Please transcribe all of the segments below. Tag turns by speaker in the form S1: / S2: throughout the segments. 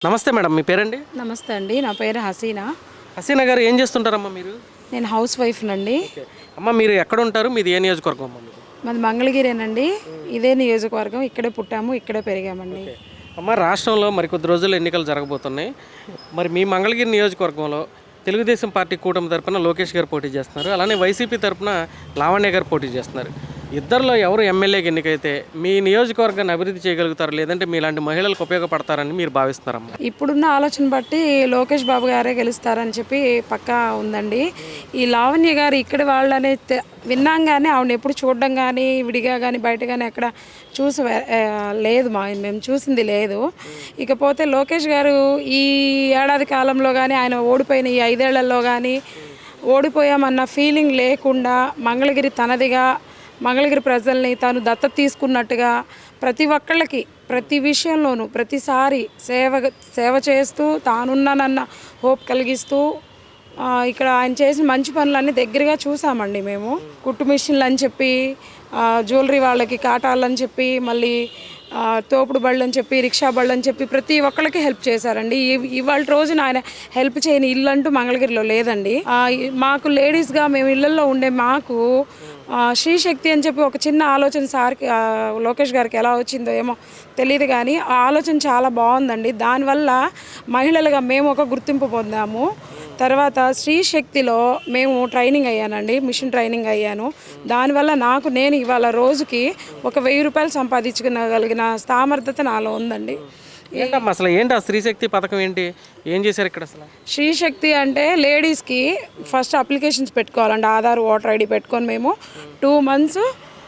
S1: నమస్తే మేడం, మీ పేరండి?
S2: నమస్తే అండి, నా పేరు హసీనా.
S1: హసీనా గారు ఏం చేస్తుంటారమ్మా మీరు?
S2: నేను హౌస్ వైఫ్నండి.
S1: అమ్మ మీరు ఎక్కడ ఉంటారు? మీది ఏ నియోజకవర్గం అమ్మ మీరు?
S2: మాది మంగళగిరేనండి. ఇదే నియోజకవర్గం, ఇక్కడే పుట్టాము, ఇక్కడే పెరిగామండి.
S1: అమ్మ రాష్ట్రంలో మరికొద్ది రోజుల్లో ఎన్నికలు జరగబోతున్నాయి. మరి మీ మంగళగిరి నియోజకవర్గంలో తెలుగుదేశం పార్టీ కూటమి తరపున లోకేష్ గారు పోటీ చేస్తున్నారు, అలానే వైసీపీ తరపున లావణ్య గారు పోటీ చేస్తున్నారు. ఇద్దరిలో ఎవరు ఎమ్మెల్యేకి ఎన్నికైతే మీ నియోజకవర్గాన్ని అభివృద్ధి చేయగలుగుతారు, లేదంటే మీలాంటి మహిళలకు ఉపయోగపడతారని మీరు భావిస్తున్నారమ్మా?
S2: ఇప్పుడున్న ఆలోచన బట్టి లోకేష్ బాబు గారే గెలుస్తారని చెప్పి పక్కా ఉందండి. ఈ లావణ్య గారు ఇక్కడ వాళ్ళనే విన్నాం కానీ ఆవిడ ఎప్పుడు చూడడం కానీ విడిగా కానీ బయట కానీ ఎక్కడ చూసి లేదు, మేము చూసింది లేదు. ఇకపోతే లోకేష్ గారు ఈ ఏడాది కాలంలో కానీ ఆయన ఓడిపోయిన ఈ 5 ఏళ్లలో కానీ ఓడిపోయామన్న ఫీలింగ్ లేకుండా మంగళగిరి తనదిగా, మంగళగిరి ప్రజల్ని తాను దత్తత తీసుకున్నట్టుగా ప్రతి ఒక్కళ్ళకి ప్రతి విషయంలోనూ ప్రతిసారి సేవ చేస్తూ తానున్నానన్న హోప్ కలిగిస్తూ ఇక్కడ ఆయన చేసిన మంచి పనులన్నీ దగ్గరగా చూసామండి. మేము కుట్టు మిషన్లు అని చెప్పి, జ్యువెలరీ వాళ్ళకి కాటాలు అని చెప్పి, మళ్ళీ తోపుడు బళ్ళు అని చెప్పి, రిక్షా బళ్ళు అని చెప్పి ప్రతి ఒక్కళ్ళకి హెల్ప్ చేశారండి. ఇవాళ రోజున ఆయన హెల్ప్ చేయని ఇల్లు అంటూ మంగళగిరిలో లేదండి. మాకు లేడీస్గా మేము ఇళ్లలో ఉండే మాకు శ్రీశక్తి అని చెప్పి ఒక చిన్న ఆలోచన సార్కి లోకేష్ గారికి ఎలా వచ్చిందో ఏమో తెలియదు కానీ ఆ ఆలోచన చాలా బాగుందండి. దానివల్ల మహిళలుగా మేము ఒక గుర్తింపు పొందాము. తర్వాత శ్రీశక్తిలో మేము ట్రైనింగ్ అయ్యానండి, మిషన్ ట్రైనింగ్ అయ్యాను. దానివల్ల నేను ఇవాళ రోజుకి ఒక 1000 రూపాయలు సంపాదించుకోగలిగిన సామర్థ్యత నాలో ఉందండి.
S1: ఏంటమ్మా అసలు ఏంటి ఆ స్త్రీశక్తి పథకం ఏంటి, ఏం చేశారు ఇక్కడ? అసలు
S2: శ్రీశక్తి అంటే లేడీస్కి ఫస్ట్ అప్లికేషన్స్ పెట్టుకోవాలండి. ఆధార్, ఓటర్ ఐడి పెట్టుకొని మేము 2 months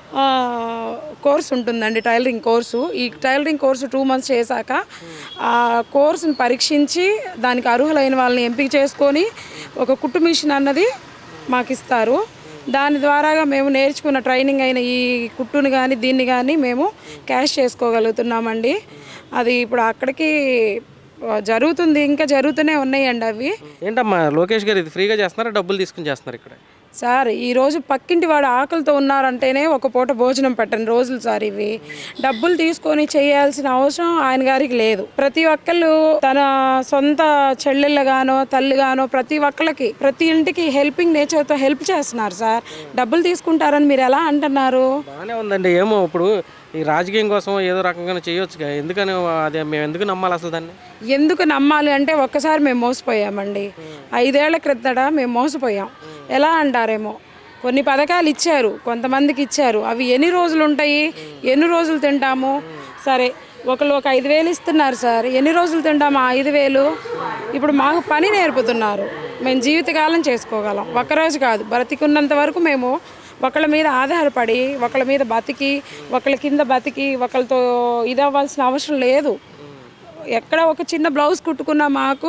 S2: కోర్స్ ఉంటుందండి, టైలరింగ్ కోర్సు. ఈ టైలరింగ్ కోర్సు 2 months చేశాక ఆ కోర్సును పరీక్షించి దానికి అర్హులైన వాళ్ళని ఎంపిక చేసుకొని ఒక కుట్టు మిషన్ అన్నది మాకు ఇస్తారు. దాని ద్వారాగా మేము నేర్చుకున్న ట్రైనింగ్ అయిన ఈ కుట్టుని కానీ దీన్ని కానీ మేము క్యాష్ చేసుకోగలుగుతున్నామండి. అది ఇప్పుడు అక్కడికి జరుగుతుంది, ఇంకా జరుగుతూనే ఉన్నాయండి అవి.
S1: ఏంటమ్మా లోకేష్ గారు ఇది ఫ్రీగా చేస్తున్నారా, డబ్బులు తీసుకుని చేస్తున్నారు ఇక్కడ?
S2: సార్ ఈరోజు పక్కింటి వాడు ఆకలితో ఉన్నారంటేనే ఒక పూట భోజనం పెట్టని రోజులు సార్ ఇవి. డబ్బులు తీసుకొని చేయాల్సిన అవసరం ఆయన గారికి లేదు. ప్రతి ఒక్కళ్ళు తన సొంత చెల్లెళ్ళగానో తల్లిగానో ప్రతి ఒక్కళ్ళకి ప్రతి ఇంటికి హెల్పింగ్ నేచర్తో హెల్ప్ చేస్తున్నారు సార్. డబ్బులు తీసుకుంటారని మీరు ఎలా అంటున్నారు?
S1: బాగానే ఉందండి. ఏమో ఇప్పుడు ఈ రాజకీయం కోసం ఏదో రకంగా చేయొచ్చుగా, ఎందుకని అదే మేము ఎందుకు నమ్మాలి అసలు దాన్ని?
S2: ఎందుకు నమ్మాలి అంటే ఒక్కసారి మేము మోసపోయామండి. 5 ఏళ్ల క్రితట మేము మోసపోయాం. ఎలా అంటారేమో కొన్ని పథకాలు ఇచ్చారు, కొంతమందికి ఇచ్చారు. అవి ఎన్ని రోజులు ఉంటాయి, ఎన్ని రోజులు తింటాము? సరే ఒకళ్ళు ఒక 5,000 ఇస్తున్నారు సార్, ఎన్ని రోజులు తింటాము ఆ 5,000? ఇప్పుడు మాకు పని నేర్పుతున్నారు, మేము జీవితకాలం చేసుకోగలం. ఒక్కరోజు కాదు, బ్రతికున్నంత వరకు మేము ఒకళ్ళ మీద ఆధారపడి, ఒకళ్ళ మీద బతికి, ఒకళ్ళ కింద బతికి, ఒకళ్ళతో ఇదవ్వాల్సిన అవసరం లేదు. ఎక్కడ ఒక చిన్న బ్లౌజ్ కుట్టుకున్నా మాకు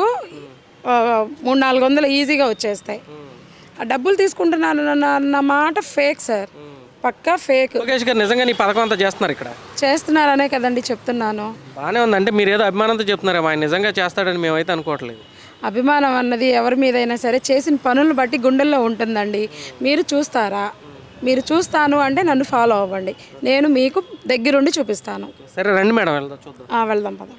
S2: 300-400 ఈజీగా వచ్చేస్తాయి. ఆ డబ్బులు తీసుకుంటున్నాను అన్న మాట ఫేక్ సార్, పక్కా ఫేక్.
S1: లోకేష్ గారు నిజంగా ఈ పథకం అంతా చేస్తున్నారు ఇక్కడ?
S2: చేస్తున్నారనే కదండి చెప్తున్నాను.
S1: బాగానే ఉందంటే మీరు ఏదో అభిమానంతో చెప్తున్నారేమో, ఆయన నిజంగా చేస్తాడని మేమైతే అనుకోవట్లేదు.
S2: అభిమానం అన్నది ఎవరి మీదైనా సరే చేసిన పనులను బట్టి గుండెల్లో ఉంటుందండి. మీరు చూస్తారా? మీరు చూస్తాను అంటే నన్ను ఫాలో అవ్వండి, నేను మీకు దగ్గరుండి చూపిస్తాను.
S1: సరే రండి మేడం, వెళ్దాం, చూద్దాం.
S2: వెళ్దాం పదండి.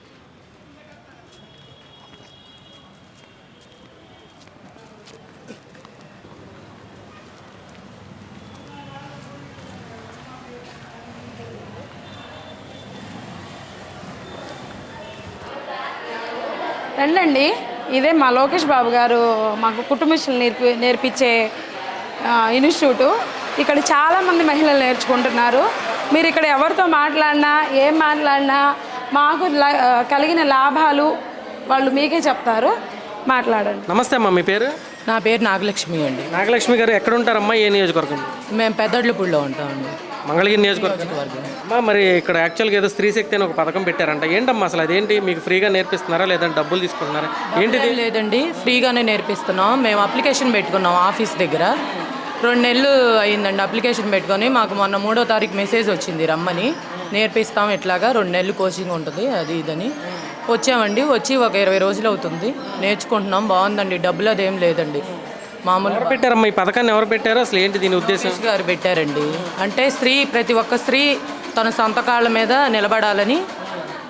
S2: రండి, ఇదే మా లోకేష్ బాబు గారు మాకు కుట్టు మిషన్లు నేర్పించే ఇన్స్టిట్యూటు. ఇక్కడ చాలామంది మహిళలు నేర్చుకుంటున్నారు. మీరు ఇక్కడ ఎవరితో మాట్లాడినా ఏం మాట్లాడినా మాకు కలిగిన లాభాలు వాళ్ళు మీకే చెప్తారు, మాట్లాడండి.
S1: నమస్తే అమ్మా, మీ పేరు?
S3: నా పేరు నాగలక్ష్మి అండి.
S1: నాగలక్ష్మి గారు ఎక్కడ ఉంటారమ్మా, ఏ నియోజకవర్గం?
S3: మేము పెద్దడ్లపూడిలో ఉంటామండి,
S1: మంగళగిరి నియోజకవర్గం. అమ్మా మరి ఇక్కడ యాక్చువల్గా ఏదో స్త్రీశక్తి అని ఒక పథకం పెట్టారంట, ఏంటమ్మా అసలు అదేంటి? మీకు ఫ్రీగా నేర్పిస్తున్నారా లేదంటే డబ్బులు తీసుకుంటున్నారా ఏంటిది?
S3: లేదండి, ఫ్రీగానే నేర్పిస్తున్నాం. మేము అప్లికేషన్ పెట్టుకున్నాం ఆఫీస్ దగ్గర. 2 నెలలు అయిందండి అప్లికేషన్ పెట్టుకొని. మాకు మొన్న 3వ తారీఖు మెసేజ్ వచ్చింది, రమ్మని నేర్పిస్తాం, ఇట్లాగా 2 నెలలు కోచింగ్ ఉంటుంది అది ఇదని. వచ్చామండి, వచ్చి ఒక 20 రోజులు అవుతుంది, నేర్చుకుంటున్నాం. బాగుందండి, డబ్బులు అదేం లేదండి, మామూలు.
S1: ఎవరు పెట్టారమ్మా ఈ పథకాన్ని, ఎవరు పెట్టారు, అసలు ఏంటి దీని ఉద్దేశం?
S3: గారు పెట్టారండి. అంటే ప్రతి ఒక్క స్త్రీ తన సొంత కాళ్ళ మీద నిలబడాలని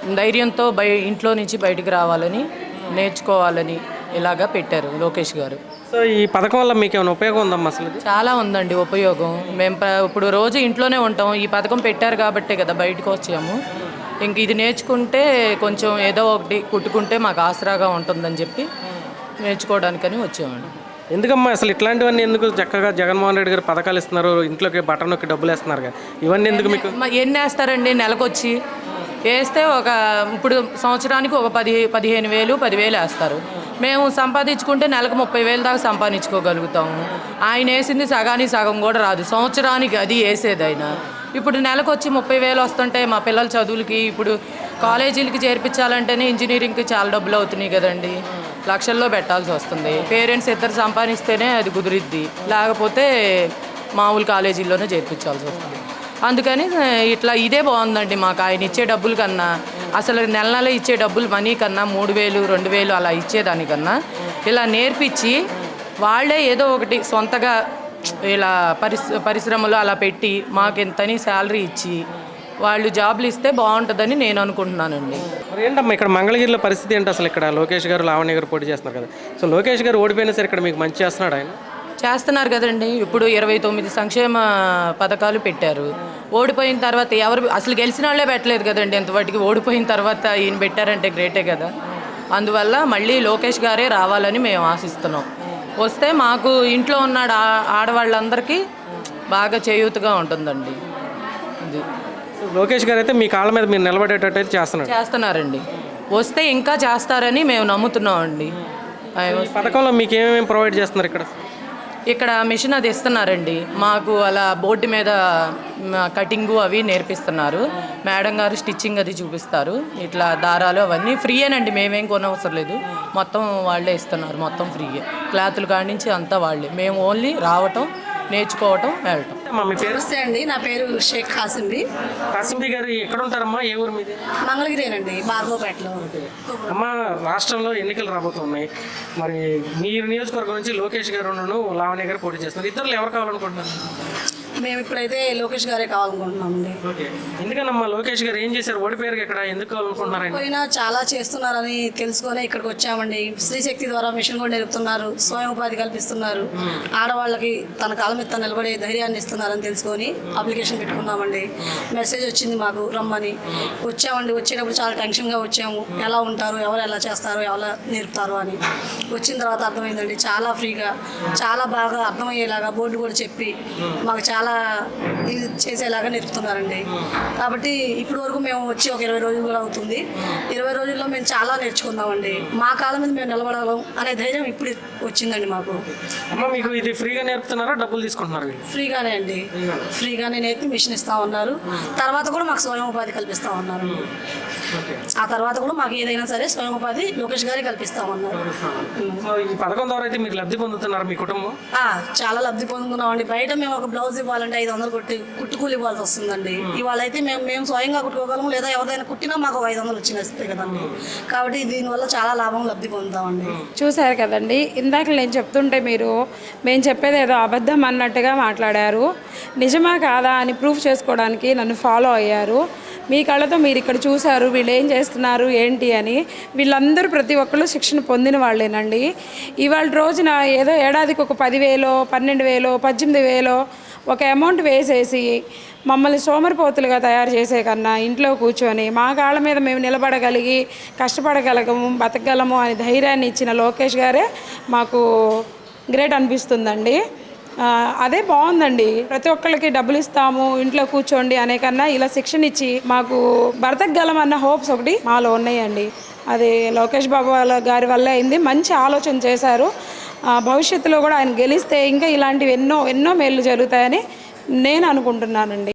S3: ధైర్యంతో ఇంట్లో నుంచి బయటికి రావాలని, నేర్చుకోవాలని ఇలాగా పెట్టారు లోకేష్ గారు.
S1: సో ఈ పథకం వల్ల మీకు ఏమైనా ఉపయోగం ఉందమ్మా అసలు?
S3: చాలా ఉందండి ఉపయోగం. మేము ఇప్పుడు రోజు ఇంట్లోనే ఉంటాం, ఈ పథకం పెట్టారు కాబట్టే కదా బయటకు వచ్చాము. ఇంక ఇది నేర్చుకుంటే కొంచెం ఏదో ఒకటి కుట్టుకుంటే మాకు ఆసరాగా ఉంటుందని చెప్పి నేర్చుకోవడానికని వచ్చామండి.
S1: ఎందుకమ్మా అసలు ఇట్లాంటివన్నీ ఎందుకు? చక్కగా జగన్మోహన్ రెడ్డి గారు పథకాలు ఇస్తున్నారు, ఇంట్లోకి బటన్ నొక్కి డబ్బులు వేస్తున్నారు కదా, ఇవన్నీ ఎందుకు మీకు?
S3: ఎన్ని వేస్తారండి నెలకొచ్చి? వేస్తే ఇప్పుడు సంవత్సరానికి ఒక 15,000 10,000 వేస్తారు. మేము సంపాదించుకుంటే నెలకు 30,000 దాకా సంపాదించుకోగలుగుతాము. ఆయన వేసింది సగానికి సగం కూడా రాదు సంవత్సరానికి, అది వేసేది ఆయన. ఇప్పుడు నెలకు వచ్చి 30,000 వస్తుంటే మా పిల్లల చదువులకి, ఇప్పుడు కాలేజీలకి చేర్పించాలంటేనే ఇంజనీరింగ్కి చాలా డబ్బులు అవుతున్నాయి కదండి, లక్షల్లో పెట్టాల్సి వస్తుంది. పేరెంట్స్ ఇద్దరు సంపాదిస్తేనే అది కుదిరిద్ది, లేకపోతే మామూలు కాలేజీల్లోనే చేర్పించాల్సి వస్తుంది. అందుకని ఇట్లా ఇదే బాగుందండి మాకు. ఆయన ఇచ్చే డబ్బుల కన్నా, అసలు నెల ఇచ్చే డబ్బులు మనీ కన్నా 3,000 2,000 అలా ఇచ్చేదానికన్నా ఇలా నేర్పించి వాళ్ళే ఏదో ఒకటి సొంతగా ఇలా పరిశ్రమలు అలా పెట్టి మాకు ఎంతని శాలరీ ఇచ్చి వాళ్ళు జాబ్లు ఇస్తే బాగుంటుందని నేను అనుకుంటున్నానండి.
S1: మరి ఏంటమ్మా ఇక్కడ మంగళగిరిలో పరిస్థితి ఏంటి అసలు? ఇక్కడ లోకేష్ గారు లావణ్య గారు పోటీ చేస్తున్నారు కదా, సో లోకేష్ గారు ఓడిపోయినా సరే ఇక్కడ మీకు మంచి చేస్తున్నాడు ఆయన?
S3: చేస్తున్నారు కదండి. ఇప్పుడు 29 సంక్షేమ పథకాలు పెట్టారు. ఓడిపోయిన తర్వాత ఎవరు అసలు గెలిచిన వాళ్ళే పెట్టలేదు కదండి ఎంతవాటికి. ఓడిపోయిన తర్వాత ఈయన పెట్టారంటే గ్రేటే కదా. అందువల్ల మళ్ళీ లోకేష్ గారే రావాలని మేము ఆశిస్తున్నాం. వస్తే మాకు ఇంట్లో ఉన్న ఆడవాళ్ళందరికీ బాగా చేయూతగా ఉంటుందండి. ఇది
S1: లోకేష్ గారు అయితే మీ కాళ్ళ మీద మీరు నిలబడేటట్టు
S3: చేస్తున్నారండి. వస్తే ఇంకా చేస్తారని మేము నమ్ముతున్నామండి.
S1: పథకంలో మీకు ఏమేమి ప్రొవైడ్ చేస్తున్నారు ఇక్కడ?
S3: ఇక్కడ మిషన్ అది ఇస్తున్నారండి మాకు. అలా బోర్డు మీద కటింగు అవి నేర్పిస్తున్నారు. మేడం గారు స్టిచ్చింగ్ అది చూపిస్తారు. ఇట్లా దారాలు అవన్నీ ఫ్రీయేనండి, మేమేం కొనవసరం లేదు. మొత్తం వాళ్ళే ఇస్తున్నారు, మొత్తం ఫ్రీయే. క్లాతులు కాడి నుంచి అంతా వాళ్ళే. మేము ఓన్లీ రావటం, నేర్చుకోవటం, వెళ్ళటం.
S1: మీ పేరు?
S4: నమస్తే అండి, నా పేరు షేక్ కాసింబి.
S1: కాసింబి గారు ఎక్కడ ఉంటారమ్మా? ఏ ఊరు మీది?
S4: మంగళగిరేనండి, బార్గోపేటలో.
S1: అమ్మ, రాష్ట్రంలో ఎన్నికలు రాబోతున్నాయి. మరి మీరు నియోజకవర్గం నుంచి లోకేష్ గారు లావణ్య గారు పోటీ చేస్తున్నారు. ఇద్దరు ఎవరు కావాలనుకుంటున్నారు?
S4: మేము ఇప్పుడైతే లోకేష్ గారే కావాలనుకుంటున్నామండి.
S1: ఎందుకనమ్మా లోకేష్ గారు ఏం చేశారు? ఓడిపోయారు ఇక్కడ, ఎందుకు కావాలనుకుంటున్నారు?
S4: పోయినా చాలా చేస్తున్నారని తెలుసుకొని ఇక్కడికి వచ్చామండి. స్త్రీశక్తి ద్వారా మిషన్ కూడా నేర్పుతున్నారు, స్వయం ఉపాధి కల్పిస్తున్నారు, ఆడవాళ్ళకి తన కాలం మీద నిలబడే ధైర్యాన్ని ఇస్తున్నారని తెలుసుకొని అప్లికేషన్ పెట్టుకున్నామండి. మెసేజ్ వచ్చింది మాకు రమ్మని. వచ్చామండి. వచ్చేటప్పుడు చాలా టెన్షన్గా వచ్చాము, ఎలా ఉంటారు, ఎవరు ఎలా చేస్తారు, ఎలా నేర్పుతారు అని. వచ్చిన తర్వాత అర్థమైందండి, చాలా ఫ్రీగా, చాలా బాగా అర్థమయ్యేలాగా బోర్డు కూడా చెప్పి మాకు చాలా ఇది చేసేలాగా నేర్పుతున్నారండి. కాబట్టి ఇప్పటి వరకు మేము వచ్చి ఒక 20 రోజులు కూడా అవుతుంది. 20 రోజుల్లో మేము చాలా నేర్చుకున్నామండి. మా కాలం మీద మేము నిలబడగలం అనే ధైర్యం ఇప్పుడు వచ్చిందండి మాకు.
S1: అమ్మ, మీకు ఇది ఫ్రీగా నేర్పుతున్నారా, డబ్బులు తీసుకుంటున్నారు?
S4: ఫ్రీగానే అండి, ఫ్రీగానే నేర్పి మిషన్ ఇస్తా ఉన్నారు. తర్వాత కూడా మాకు స్వయం ఉపాధి కల్పిస్తా ఉన్నారు. ఆ తర్వాత కూడా మాకు ఏదైనా సరే స్వయం ఉపాధి లోకేష్ గారే కల్పిస్తా ఉన్నారు.
S1: ఈ పథకం ద్వారా అయితే మీరు లబ్ధి పొందుతున్నారు మీ కుటుంబం?
S4: చాలా లబ్ధి పొందుతున్నామండి. బయట మేము ఒక బ్లౌజ్ ఇవ్వాలంటే 500 కుట్టుకూలి ఇవ్వాల్సి వస్తుందండి. ఇవాళ అయితే మేము స్వయంగా కుట్టుకోగలము, లేదా ఎవరైనా కుట్టినా మాకు 500 వచ్చినాయి కదండి. కాబట్టి దీనివల్ల చాలా లాభం లబ్ధి పొందుతామండి.
S2: చూశారు కదండి, ఇందాక నేను చెప్తుంటే మేము చెప్పేది ఏదో అబద్ధం అన్నట్టుగా మాట్లాడారు. నిజమా కాదా అని ప్రూఫ్ చేసుకోవడానికి నన్ను ఫాలో అయ్యారు. మీ కళ్ళతో మీరు ఇక్కడ చూశారు వీళ్ళు ఏం చేస్తున్నారు ఏంటి అని. వీళ్ళందరూ ప్రతి ఒక్కళ్ళు శిక్షణ పొందిన వాళ్ళేనండి. ఇవాళ రోజున ఏదో ఏడాదికి ఒక 10,000 12,000 18,000 ఒక అమౌంట్ వేసేసి మమ్మల్ని సోమరిపోతులుగా తయారు చేసే కన్నా ఇంట్లో కూర్చొని మా కాళ్ళ మీద మేము నిలబడగలిగి కష్టపడగలగము, బతకగలము అని ధైర్యాన్ని ఇచ్చిన లోకేష్ గారే మాకు గ్రేట్ అనిపిస్తుందండి. అదే బాగుందండి. ప్రతి ఒక్కళ్ళకి డబ్బులు ఇస్తాము, ఇంట్లో కూర్చోండి అనే కన్నా ఇలా శిక్షణ ఇచ్చి మాకు బ్రతకగలం అన్న హోప్స్ ఒకటి మాలో ఉన్నాయండి. అది లోకేష్ బాబు గారి వల్ల అయింది. మంచి ఆలోచన చేశారు. భవిష్యత్తులో కూడా ఆయన గెలిస్తే ఇంకా ఇలాంటివి ఎన్నో మేలు జరుగుతాయని నేను అనుకుంటున్నానండి.